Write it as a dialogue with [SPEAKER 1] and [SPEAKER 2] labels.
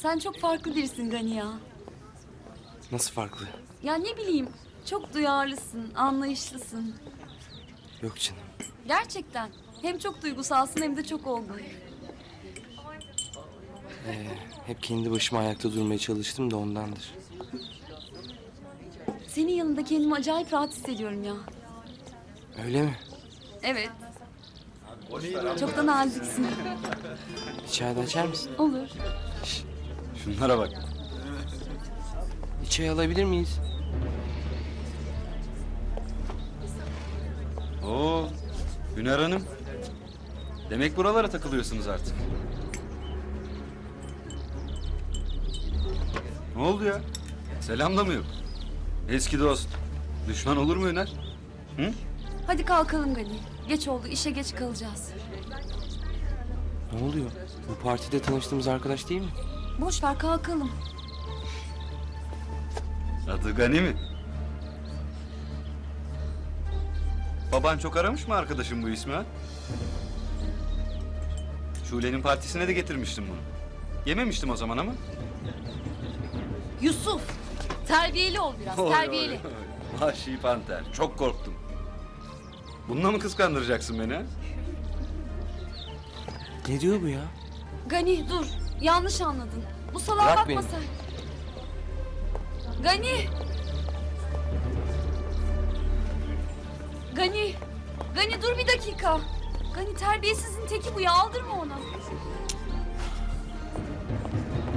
[SPEAKER 1] Sen çok farklı birisin Gani ya.
[SPEAKER 2] Nasıl farklı?
[SPEAKER 1] Ya ne bileyim, çok duyarlısın, anlayışlısın.
[SPEAKER 2] Yok canım.
[SPEAKER 1] Gerçekten. Hem çok duygusalsın hem de çok olgun.
[SPEAKER 2] Hep kendi başıma ayakta durmaya çalıştım da ondandır.
[SPEAKER 1] Senin yanında kendimi acayip rahat hissediyorum ya.
[SPEAKER 2] Öyle mi?
[SPEAKER 1] Evet. Çok da naziksin.
[SPEAKER 2] Bir çay da açar mısın?
[SPEAKER 1] Olur.
[SPEAKER 3] Şunlara bak.
[SPEAKER 2] Bir çay alabilir miyiz?
[SPEAKER 3] Oo, Hüner Hanım. Demek buralara takılıyorsunuz artık. Ne oldu ya? Selam da mı yok? Eski dost. Düşman olur mu Hüner? Hı?
[SPEAKER 1] Hadi kalkalım Gani. Geç oldu, işe geç kalacağız.
[SPEAKER 2] Ne oluyor? Bu partide tanıştığımız arkadaş değil mi?
[SPEAKER 1] Boş ver, kalkalım.
[SPEAKER 3] Adı Gani mi? Baban çok aramış mı arkadaşım bu ismi ha? Şule'nin partisine de getirmiştim bunu. Yememiştim o zaman ama.
[SPEAKER 1] Yusuf, terbiyeli ol biraz, terbiyeli.
[SPEAKER 3] Vahşi panter. Çok korktum. Bununla mı kıskandıracaksın beni ha?
[SPEAKER 2] Ne diyor bu ya?
[SPEAKER 1] Gani dur, yanlış anladın. Bu salağa
[SPEAKER 2] Bırak
[SPEAKER 1] bakma
[SPEAKER 2] beni.
[SPEAKER 1] sen. Gani! Gani! Gani dur bir dakika. Gani terbiyesizin teki bu ya, aldırma ona.